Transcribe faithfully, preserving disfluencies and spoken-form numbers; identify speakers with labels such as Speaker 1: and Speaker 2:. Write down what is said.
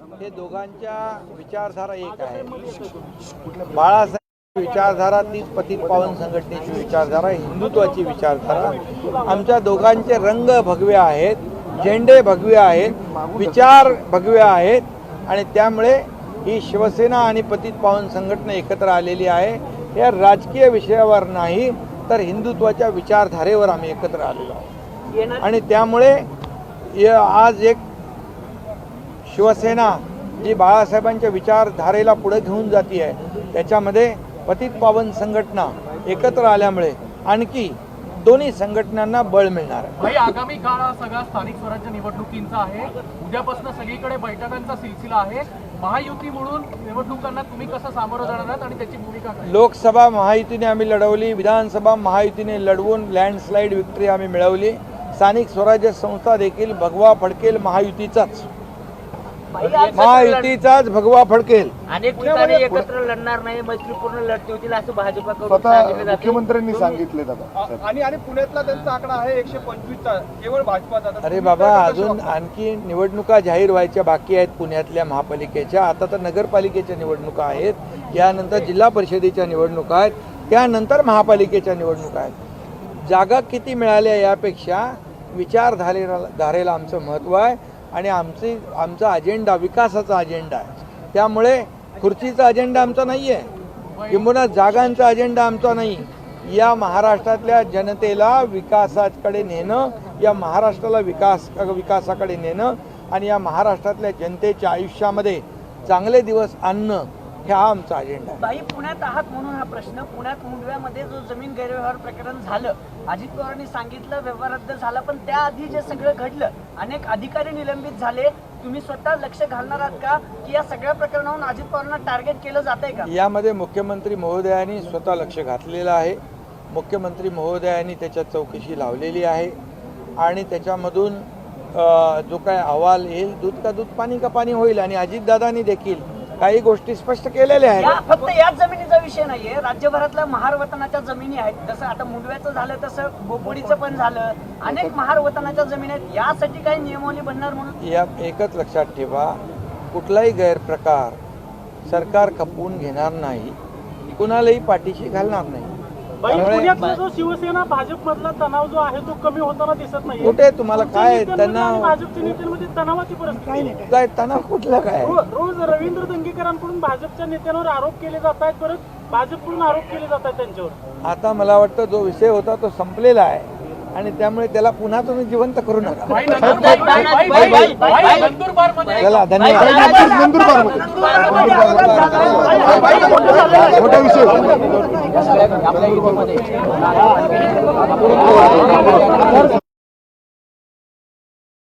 Speaker 1: हे दोघांच्या विचारधारा एक आहे। बाळासाहेब विचारधारा तीच पतित पावन संघटनेची विचारधारा, हिंदुत्वाची विचारधारा। आमच्या दोघांचे रंग भगवे आहेत, झेंडे भगवे आहेत, विचार भगवे आहेत आणि त्यामुळे ही शिवसेना आणि पतित पावन संघटना एकत्र आलेली आहे। या राजकीय विषयावर नाही तर हिंदुत्वाच्या विचारधारेवर आम्ही एकत्र आलेलो आहोत आणि त्यामुळे आज एक शिवसेना जी बाळासाहेबांच्या विचारधारेला पुढे घेऊन जाती आहे त्याच्यामध्ये पतित पावन संघटना एकत्र आल्यामुळे आणखी दोन्ही संघटनांना बळ मिळणार आहे।
Speaker 2: भाई, आगामी काळ हा सगळा स्थानिक स्वराज्य निवडणुकींचा आहे। उद्यापासून सगळीकडे बैठकांचा सिलसिला आहे। महायुती म्हणून निवडणुकांना तुम्ही कसं सामोरं जाणार आहात आणि त्याची भूमिका काय?
Speaker 1: लोकसभा महायुतीने आम्ही लढवली, विधानसभा महायुतीने लढवून लँडस्लाईड विक्ट्री आम्ही मिळवली। स्थानिक स्वराज्य संस्था देखील भगवा फडकेल महायुतीचाच, महायुतीचाच भगवा फडकेल।
Speaker 3: अनेक ठिकाणी एकत्र लढणार नाही, मैत्रीपूर्ण लढती होतील असं भाजपकडून
Speaker 4: स्वतः मुख्यमंत्र्यांनी सांगितले दादा।
Speaker 5: आणि आणि पुण्यातला त्यांचा आकडा आहे एकशे पंचवीसचा, केवळ भाजपाचा।
Speaker 1: अरे बाबा, अजून आणखी निवडणुका जाहीर व्हायच्या बाकी आहेत पुण्यातल्या महापालिकेच्या। आता तर नगरपालिकेच्या निवडणुका आहेत, यानंतर जिल्हा परिषदेच्या निवडणुका आहेत, त्यानंतर महापालिकेच्या निवडणुका आहेत। जागा किती मिळाल्या यापेक्षा विचारधारेला धारेला आमचं महत्त्व आहे आणि आमची आमचा अजेंडा विकासाचा अजेंडा आहे। त्यामुळे खुर्चीचा अजेंडा आमचा नाही आहे, किंबहुना जागांचा अजेंडा आमचा नाही। या महाराष्ट्रातल्या जनतेला विकासाकडे नेणं, या महाराष्ट्राला विकास विकासाकडे नेणं आणि या महाराष्ट्रातल्या जनतेच्या आयुष्यामध्ये चांगले दिवस आणणं हा आमचा अजेंडा आहे।
Speaker 3: बाई, पुण्यात आहात म्हणून हा प्रश्न। पुण्यात मुंडव्यामध्ये जो जमीन गैरव्यवहार प्रकरण झालं, अजित पवारांनी सांगितलं व्यवहार रद्द झाला, पण त्याआधी जे सगळं घडलं, अनेक अधिकारी निलंबित झाले, तुम्ही स्वतः लक्ष घालणार आहात का की या सगळ्या प्रकरणावरून अजित पवारांना टार्गेट केलं जात आहे का?
Speaker 1: यामध्ये मुख्यमंत्री महोदयांनी स्वतः लक्ष घातलेलं आहे। मुख्यमंत्री महोदयांनी त्याच्यात चौकशी लावलेली आहे आणि त्याच्यामधून जो काय अहवाल येईल, दूध का दूध पाणी का पाणी होईल। आणि अजितदादांनी देखील काही गोष्टी स्पष्ट केलेल्या आहेत।
Speaker 3: फक्त याच जमिनीचा विषय नाहीये, राज्यभरातल्या महार वतनाच्या जमिनी आहेत। जसं आता मुंडव्याचं झालं तसं बोपोडीचं पण झालं, अनेक महार वतनाच्या जमिनी आहेत। यासाठी काही नियमावली बनणार म्हणून
Speaker 1: या एकच लक्षात ठेवा, कुठलाही गैरप्रकार सरकार खपवून घेणार नाही, कुणालाही पाठीशी घालणार नाही।
Speaker 2: पुण्यातला जो शिवसेना भाजप मधला तणाव जो आहे तो कमी होताना दिसत नाही।
Speaker 1: कुठे तुम्हाला काय तणाव?
Speaker 2: भाजपच्या नेत्यांमध्ये तणावाची परिस्थिती
Speaker 1: काय तणाव कुठला काय?
Speaker 2: रोज रवींद्र दंगेकरांकडून भाजपच्या नेत्यांवर आरोप केले जात आहेत, परत भाजपकडून आरोप केले जात आहेत त्यांच्यावर।
Speaker 1: आता मला वाटतं जो विषय होता तो संपलेला आहे आणि त्यामुळे त्याला पुन्हा तुम्ही जिवंत करू नका। चला, धन्यवाद।
Speaker 4: मोठा विषय